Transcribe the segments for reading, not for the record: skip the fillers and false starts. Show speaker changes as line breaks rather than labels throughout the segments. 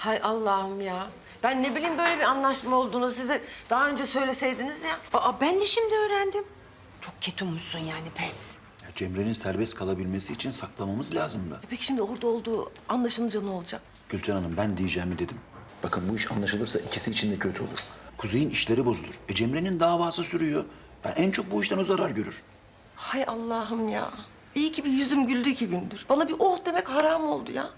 Hay Allah'ım ya. Ben ne bileyim böyle bir anlaşma olduğunu size daha önce söyleseydiniz ya.
Aa, ben de şimdi öğrendim. Çok ketummuşsun yani, pes.
Ya Cemre'nin serbest kalabilmesi için saklamamız lazımdı.
Peki şimdi orada olduğu anlaşılınca ne olacak?
Gülten Hanım ben diyeceğimi dedim. Bakın bu iş anlaşılırsa ikisi için de kötü olur. Kuzey'in işleri bozulur. Cemre'nin davası sürüyor. Yani en çok bu işten o zarar görür.
Hay Allah'ım ya. İyi ki bir yüzüm güldü 2 gündür. Bana bir oh demek haram oldu ya.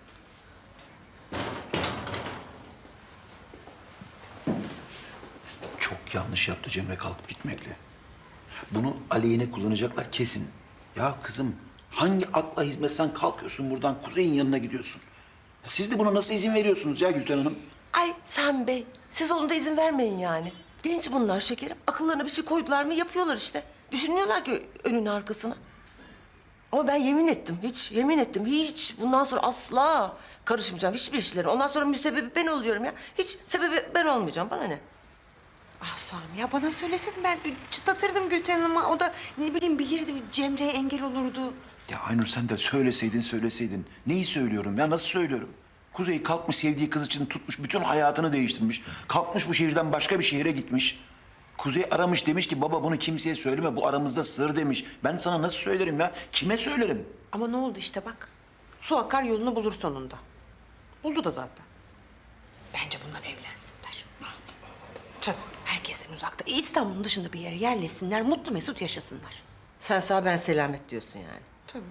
Çok yanlış yaptı Cemre kalkıp gitmekle. Bunu aleyhine kullanacaklar kesin. Ya kızım hangi akla hizmet sen kalkıyorsun buradan Kuzey'in yanına gidiyorsun? Ya siz de buna nasıl izin veriyorsunuz ya Gülten Hanım?
Ay Sami Bey, siz onun da izin vermeyin yani. Genç bunlar şekerim. Akıllarına bir şey koydular mı yapıyorlar işte. Düşünmüyorlar ki önünü arkasını. Ama ben yemin ettim, yemin ettim. Hiç bundan sonra asla karışmayacağım hiçbir işlere. Ondan sonra müsebbibi ben oluyorum ya. Hiç sebebi ben olmayacağım. Bana ne?
Ah Sami, ya bana söyleseydin ben çıtlatırdım Gülten Hanım'a. O da ne bileyim bilirdi, Cemre'ye engel olurdu.
Ya Aynur sen de söyleseydin. Neyi söylüyorum ya nasıl söylüyorum? Kuzey kalkmış sevdiği kız için tutmuş bütün hayatını değiştirmiş. Kalkmış bu şehirden başka bir şehire gitmiş. Kuzey aramış demiş ki baba bunu kimseye söyleme bu aramızda sır demiş. Ben sana nasıl söylerim ya? Kime söylerim?
Ama ne oldu işte bak. Su akar yolunu bulur sonunda. Buldu da zaten. Bence bunlar evlensinler. Tabii herkesten uzakta. İstanbul'un dışında bir yere yerleşsinler, mutlu mesut yaşasınlar.
Sen sağ ben selamet diyorsun yani.
Tabii.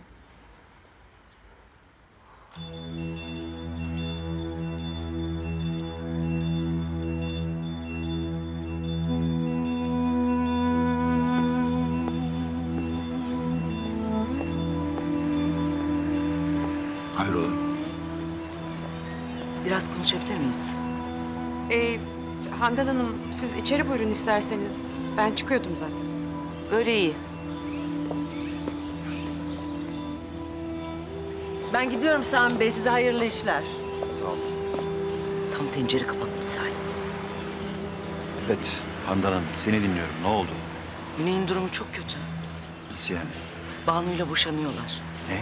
Hayrola?
Biraz konuşabilir miyiz?
Handan Hanım, siz içeri buyurun isterseniz. Ben çıkıyordum zaten.
Böyle iyi.
Ben gidiyorum Sami Bey. Size hayırlı işler.
Sağ ol.
Tam tencere kapak misali.
Evet Handan Hanım seni dinliyorum. Ne oldu?
Güney'in durumu çok kötü.
Nasıl yani?
Banu'yla boşanıyorlar.
Ne?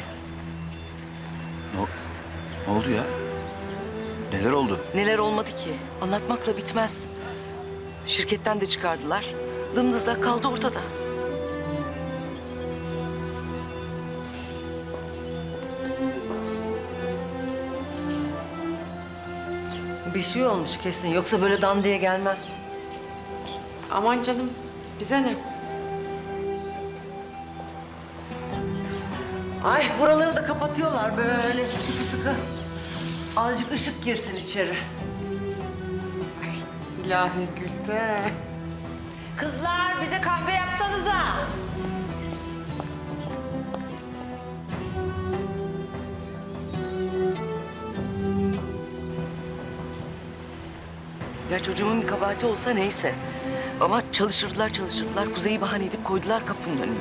Ne oldu ya? Neler oldu?
Neler olmadı ki? Anlatmakla bitmez. Şirketten de çıkardılar. Dımdızlak kaldı ortada.
Bir şey olmuş kesin. Yoksa böyle dan diye gelmez.
Aman canım, bize ne?
Ay buraları da kapatıyorlar böyle sıkı sıkı. Azıcık ışık girsin içeri.
İlahi Gülten.
Kızlar bize kahve yapsanıza.
Ya çocuğumun bir kabahati olsa neyse. Ama çalıştırdılar. Kuzey'i bahane edip koydular kapının önüne.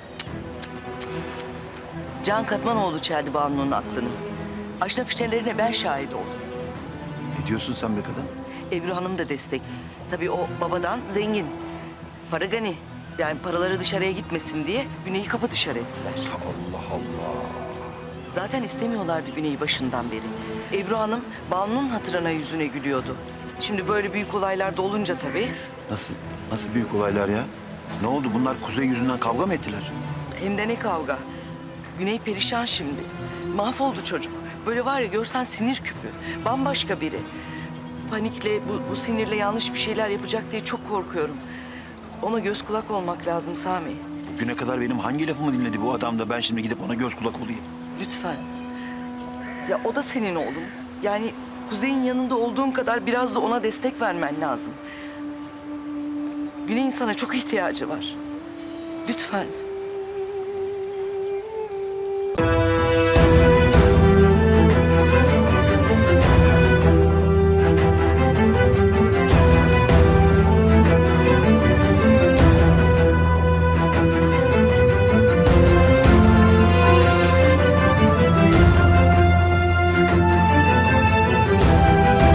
Can Katmanoğlu çeldi Banu'nun aklını. Aşna fişnelerine ben şahit oldum.
Ne diyorsun sen be kadın?
Ebru Hanım da destek. Tabii o babadan zengin. Para gani. Yani paraları dışarıya gitmesin diye Güney'i kapı dışarı ettiler.
Allah Allah.
Zaten istemiyorlardı Güney'i başından beri. Ebru Hanım Banu'nun hatırına yüzüne gülüyordu. Şimdi böyle büyük olaylar da olunca tabii
Nasıl büyük olaylar ya? Ne oldu bunlar Kuzey yüzünden kavga mı ettiler?
hem de ne kavga. Güney perişan şimdi. Mahvoldu çocuk. Böyle var ya görsen sinir küpü. Bambaşka biri. Panikle, bu sinirle yanlış bir şeyler yapacak diye çok korkuyorum. Ona göz kulak olmak lazım Sami.
Bugüne kadar benim hangi lafımı dinledi bu adam da ben şimdi gidip ona göz kulak olayım?
Lütfen. Ya o da senin oğlun. Yani Kuzey'in yanında olduğun kadar biraz da ona destek vermen lazım. Güney'in sana çok ihtiyacı var. Lütfen.